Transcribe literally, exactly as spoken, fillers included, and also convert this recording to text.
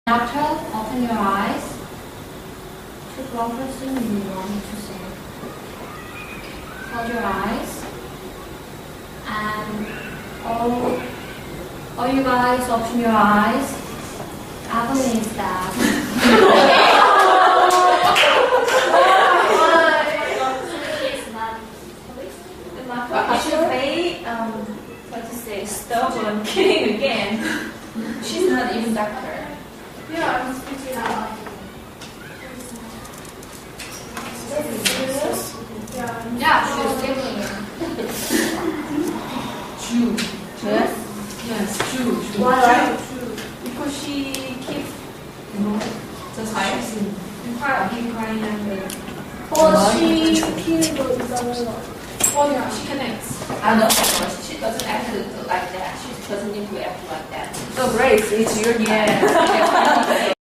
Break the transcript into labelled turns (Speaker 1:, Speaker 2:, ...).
Speaker 1: After, open your eyes. Choose one person you want to say. Close your eyes. And all, all you guys open your eyes. Evelyn is that.
Speaker 2: Actually, um, what to say, stubborn, kidding again. She's not even doctor.
Speaker 3: Yeah, I'm speaking out. Yeah,
Speaker 1: Yeah, she's giving you.
Speaker 4: Jew.
Speaker 1: Yes?
Speaker 4: Yes, Jew. Jew.
Speaker 1: Why?
Speaker 2: Because she keeps
Speaker 4: No, just hiding.
Speaker 2: crying, crying and
Speaker 3: 어, she 키는 거 있잖아요.
Speaker 2: oh yeah, she connects.
Speaker 4: I know, of course. She doesn't act like that. She doesn't need to act like that.
Speaker 2: So Grace, it's your turn.